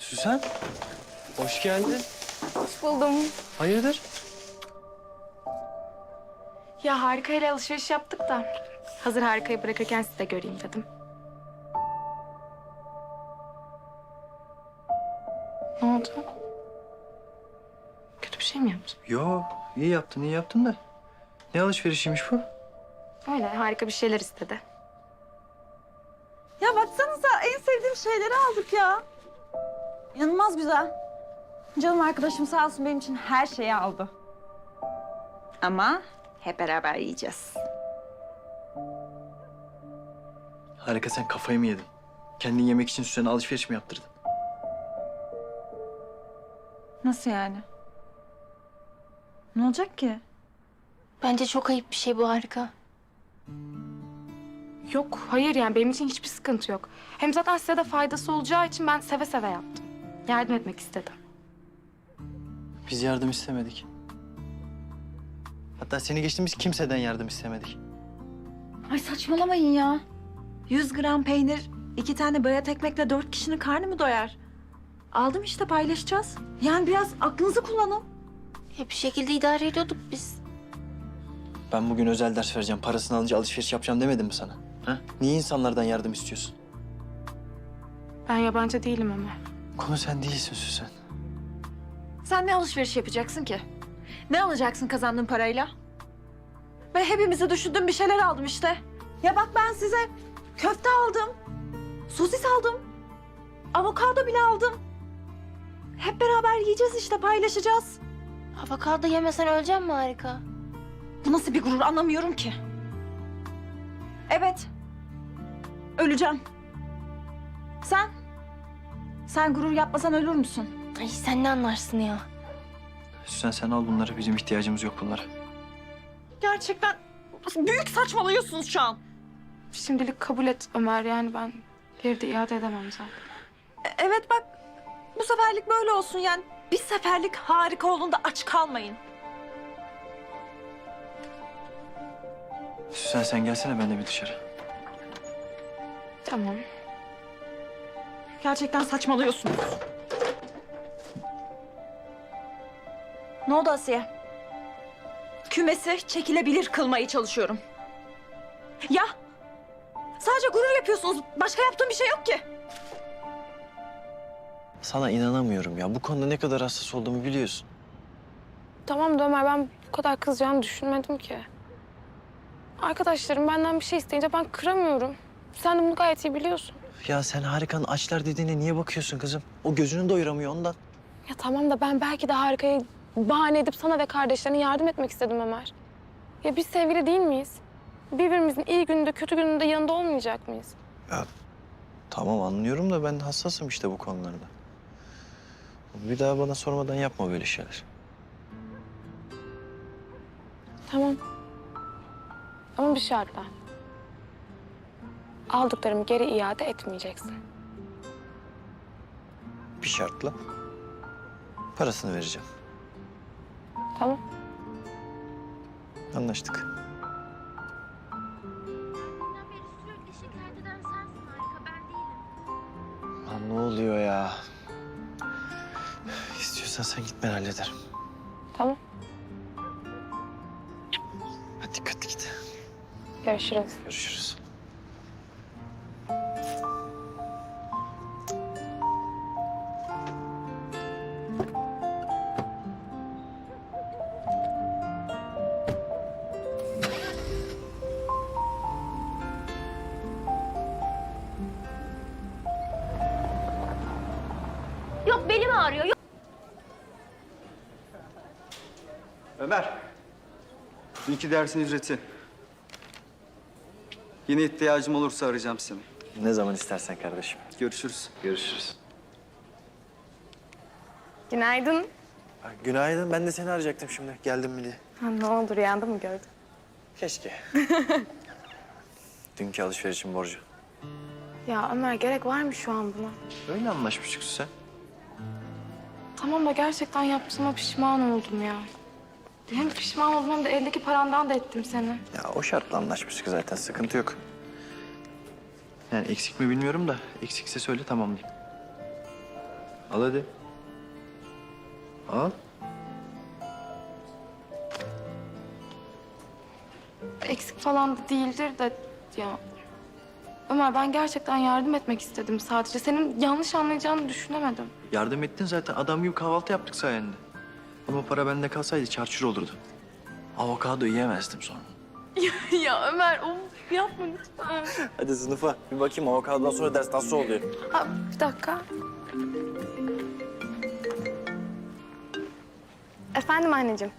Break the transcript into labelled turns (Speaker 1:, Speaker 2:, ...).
Speaker 1: Süsen, hoş geldin.
Speaker 2: Hoş buldum.
Speaker 1: Hayırdır?
Speaker 2: Ya Harika'yla alışveriş yaptık da hazır Harika'yı bırakırken sizi de göreyim dedim. Ne oldu? Kötü bir şey mi yaptım?
Speaker 1: Yo, iyi yaptın da. Ne alışverişiymiş bu?
Speaker 2: Öyle Harika bir şeyler istedi.
Speaker 3: Ya baksanıza en sevdiğim şeyleri aldık ya. İnanılmaz güzel. Canım arkadaşım sağ olsun benim için her şeyi aldı. Ama hep beraber yiyeceğiz.
Speaker 1: Harika, sen kafayı mı yedin? Kendin yemek için Süsen'e alışveriş mi yaptırdın?
Speaker 3: Nasıl yani? Ne olacak ki?
Speaker 4: Bence çok ayıp bir şey bu Harika.
Speaker 2: Yok, hayır yani benim için hiçbir sıkıntı yok. Hem zaten size de faydası olacağı için ben seve seve yaptım. Yardım etmek istedim.
Speaker 1: Biz yardım istemedik. Hatta seni geçtiğimiz kimseden yardım istemedik.
Speaker 3: Ay saçmalamayın ya. 100 gram peynir, 2 tane bayat ekmekle 4 kişinin karnı mı doyar? Aldım işte paylaşacağız. Yani biraz aklınızı kullanın.
Speaker 4: Bir şekilde idare ediyorduk biz.
Speaker 1: Ben bugün özel ders vereceğim, parasını alınca alışveriş yapacağım demedim mi sana? Ha? Niye insanlardan yardım istiyorsun?
Speaker 2: Ben yabancı değilim Ömer.
Speaker 1: Konu sen değilsin Süsen.
Speaker 3: Sen ne alışveriş yapacaksın ki? Ne alacaksın kazandığın parayla? Ben hepimizi düşündüğüm bir şeyler aldım işte. Ya bak ben size köfte aldım. Sosis aldım. Avokado bile aldım. Hep beraber yiyeceğiz işte paylaşacağız.
Speaker 4: Avokado yemesen öleceğim mi Harika?
Speaker 3: Bu nasıl bir gurur anlamıyorum ki. Evet. Öleceğim. Sen? Sen gurur yapmasan ölür müsün?
Speaker 4: Ay sen ne anlarsın ya?
Speaker 1: Süsen, sen al bunları, bizim ihtiyacımız yok bunlara.
Speaker 3: Gerçekten büyük saçmalıyorsunuz şu an.
Speaker 2: Şimdilik kabul et Ömer, yani ben geri de iade edemem zaten.
Speaker 3: Evet bak bu seferlik böyle olsun yani. Bir seferlik harika olun da aç kalmayın.
Speaker 1: Süsen, sen gelsene ben de bir dışarı.
Speaker 2: Tamam.
Speaker 3: Gerçekten saçmalıyorsunuz. Ne oldu Asiye? Kümesi çekilebilir kılmaya çalışıyorum. Ya sadece gurur yapıyorsunuz. Başka yaptığım bir şey yok ki.
Speaker 1: Sana inanamıyorum ya. Bu konuda ne kadar hassas olduğumu biliyorsun.
Speaker 2: Tamam da Ömer, ben bu kadar kızacağını düşünmedim ki. Arkadaşlarım benden bir şey isteyince ben kıramıyorum. Sen de bunu gayet iyi biliyorsun.
Speaker 1: Ya sen Harika'nın açlar dediğine niye bakıyorsun kızım? O gözünü doyuramıyor ondan.
Speaker 2: Ya tamam da ben belki de Harika'yı bahane edip sana ve kardeşlerine yardım etmek istedim Ömer. Ya biz sevgili değil miyiz? Birbirimizin iyi gününde, kötü gününde yanında olmayacak mıyız?
Speaker 1: Ya tamam, anlıyorum da ben hassasım işte bu konularda. Bir daha bana sormadan yapma böyle şeyler.
Speaker 2: Tamam. Ama bir şartla. Aldıklarımı geri iade etmeyeceksin.
Speaker 1: Bir şartla. Parasını vereceğim.
Speaker 2: Tamam.
Speaker 1: Anlaştık.
Speaker 4: Deminden beri sürekli şikayet eden sensin Harika, ben değilim.
Speaker 1: Lan ne oluyor ya? İstiyorsan sen git, ben hallederim.
Speaker 2: Tamam.
Speaker 1: Hadi dikkatli git.
Speaker 2: Görüşürüz.
Speaker 1: Görüşürüz.
Speaker 4: Yok belim ağrıyor, yok.
Speaker 5: Ömer, dünkü dersin ücreti. Yine ihtiyacım olursa arayacağım seni.
Speaker 1: Ne zaman istersen kardeşim.
Speaker 5: Görüşürüz.
Speaker 1: Görüşürüz.
Speaker 2: Günaydın.
Speaker 1: Günaydın. Ben de seni arayacaktım şimdi. Geldim mi diye.
Speaker 2: Ha, ne oldu, rüyanda mı gördün?
Speaker 1: Keşke. Dünkü alışverişin borcu.
Speaker 2: Ya Ömer, gerek var mı şu an buna?
Speaker 1: Öyle anlaşmıştık sen.
Speaker 2: Tamam da gerçekten yaptığıma pişman oldum ya. Hem pişman oldum hem de eldeki parandan da ettim seni.
Speaker 1: Ya o şartla anlaşmıştık zaten. Sıkıntı yok. Yani eksik mi bilmiyorum da eksikse söyle, tamamlayayım. Al hadi. Al.
Speaker 2: Eksik falan da değildir de ya. Ömer ben gerçekten yardım etmek istedim sadece. Senin yanlış anlayacağını düşünemedim.
Speaker 1: Yardım ettin zaten. Adam gibi kahvaltı yaptık sayende. Ama para bende kalsaydı çarçur olurdu. Avokado yiyemezdim sonra.
Speaker 2: Ya Ömer of yapma lütfen.
Speaker 1: Hadi sınıfa. Bir bakayım avokadodan sonra ders nasıl oluyor?
Speaker 2: Ha, bir dakika. Efendim anneciğim.